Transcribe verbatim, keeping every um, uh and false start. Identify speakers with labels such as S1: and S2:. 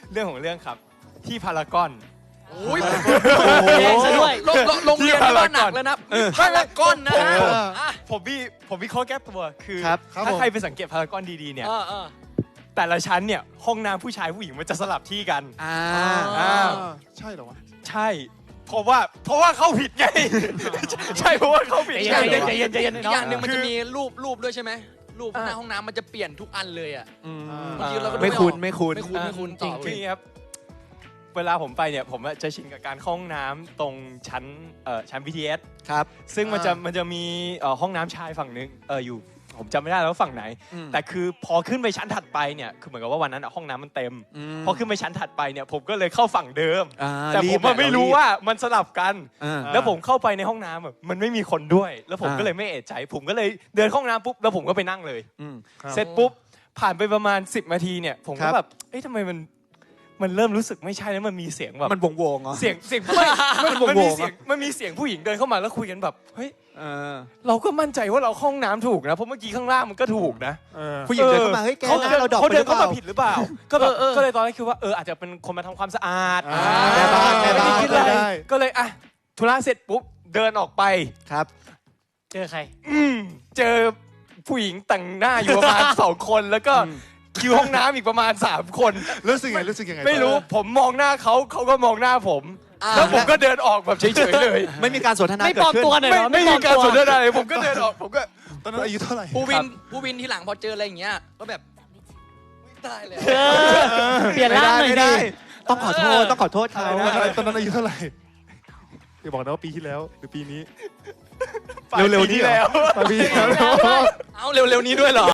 S1: เรื่องของเรื่องครับที่พารากอน
S2: โอ้ย
S3: แรงซะด้วย
S2: โรงโรงโรงเรียนที่ว่าหนักแล้วนะพารากอนนะ
S1: ผม
S2: อ่ะ
S1: ผมมีผมมีข้อแก้ตัวคือ
S4: ครับ
S1: ถ้าใครไปสังเกตพารากอนดีๆเนี่ย
S2: เออเออ
S1: แต่ละชั้นเนี่ยห้องน้ำผู้ชายผู้หญิงมันจะสลับที่กัน
S4: อ่า
S1: อ่า
S5: ใช่เหรอวะ
S1: ใช่เพราะว่าเพราะว่าเข้าผิดไง ใช่เพราะว่าเข้าผิด
S3: ใจเย็นใจเย็นใจเย็นใจเย็น
S2: อีก
S3: เนาะ
S2: อย่างหนึ่งมัน
S1: คือ
S2: จะมีรูปรูปด้วยใช่ไหมรูป
S1: อ่า
S2: หน้าห้องน้ำมันจะเปลี่ยนทุกอันเลยอ่ะ
S4: อืม
S2: บางทีเราก็ดู
S4: ไม่คุ้น
S2: ออก
S4: ไม่คุ้น
S2: ไม่คุ้นไม่คุ้น
S3: จริ
S2: ต่
S3: ง
S2: อ
S1: คืออย่างนี้ครับเวลาผมไปเนี่ยผมจะชินกับการเข้าห้องน้ำตรงชั้นเอ่อชั้น บี ที เอส
S4: ครับ
S1: ซึ่งมันจะ
S5: อ่ามั
S1: มันจะมีเอ่อห้องน้ำชายฝั่งนึงเอออยู่ผมจำไม่ได้แล้วว่าฝั่งไหน
S4: อืม
S1: แต่คือพอขึ้นไปชั้นถัดไปเนี่ยคือเหมือนกับว่าวันนั้นอะห้องน้ำมันเต็ม
S4: ม
S1: พอขึ้นไปชั้นถัดไปเนี่ยผมก็เลยเข้าฝั่งเดิม
S4: อ่า
S1: แต่ผม
S4: บ
S1: อะไม่รู้ว่ามันสลับกัน
S4: อ่า
S1: แล้วผมเข้าไปในห้องน้ำอะมันไม่มีคนด้วย แล้วผม
S4: อ่า
S1: ก็เลยไม่เอะใจ ผมก็เลยเดินเข้าห้องน้ำปุ๊บแล้วผมก็ไปนั่งเลย
S4: อืม
S5: ครับ
S1: เสร็จปุ๊บผ่านไปประมาณสิบนาทีเนี่ยผม
S4: ครั
S1: ก็
S4: บ
S1: แบบเอ๊ะทำไมมันมันเริ่มรู้สึกไม่ใช่แล้วมันมีเสียงแบบ
S4: มันวงวงๆเหรอ
S1: เสียงเสียงไม่มัน
S4: วงๆ
S1: มันมี
S4: อะ
S1: เสียงมันมีเสียงผู้หญิงเดินเข้ามาแล้วคุยกันแบบเฮ้ย
S4: เออ
S1: เราก็มั่นใจว่าเราเข้าห้องน้ำถูกนะเพราะเมื่อกี้ข้างล่างมันก็ถูกนะ
S5: เออ
S4: ผู้หญิงเดินเข้ามาเฮ้ยแก
S1: เขา
S4: หน้า
S1: เดิน
S4: เราดอก
S1: เขา
S4: ไปห
S1: เดิ
S4: รื
S1: น
S4: อเป
S1: เข้า
S4: ล่า
S1: มาผิดหรือเปล่า ก็แบบ
S2: เออเออ
S1: ก็เลยตอนแรกคิดว่าเอออาจจะเป็นคนมาทำความสะอาด
S5: อ่า
S4: แม่บ้านแม่บ้าน
S1: ไม่ได้คิดอะไร
S5: ได้
S1: ก็เลยอ่ะธุระเสร็จปุ๊บเดินออกไป
S4: ครับ
S3: เจอใคร
S1: อืมเจอผู้หญิงแต่งหน้าอยู่ประมาณ สองคนแล้วก็
S4: อืม
S1: คิวห้องน้ำอีกประมาณสามคน
S5: รู้สึกไงรู้สึกยังไง
S1: ไม่รู้ผมมองหน้าเขาเขาก็มองหน้าผม
S2: อ่า
S1: แล้วผมก็เดินออกแบบเฉยๆเลย
S4: ไม่มีการสนทนา
S3: ไม่
S4: เกิ
S3: ปล
S4: ด
S3: อม
S4: ขึ้น
S3: ตัวหน่อย
S1: ไม่
S3: เหรอ
S1: ไม่
S3: ปล
S1: มี
S3: อ
S1: การ
S3: ตัว
S1: สนทนาเลยผมก็เดินออกผมก็
S5: ตอนนั้นอายุเท่าไหร่
S2: ผู้วิ
S1: ครั
S2: น
S1: บ
S2: ผู้วินที่หลังพอเจออะไรอย่างเงี้ยก็แบบตายแล้ว
S3: เออเปลี่ยนร่างหน่อย
S4: ไม่
S3: ดิ
S4: ได้ต้องขอโทษต้องขอโทษเขา
S5: ตอนนั้นตอนนั้นอายุเท่าไหร่อย่าบอกนะว่าปีที่แล้วหรือปีนี้
S1: ปลาย
S5: เร็วๆ
S1: ปี
S5: นี้
S1: ที่
S5: เหรอ
S1: แล้ว
S5: ปีที่แล้ว
S2: เอาเร็วๆนี้ด้วยเหรอ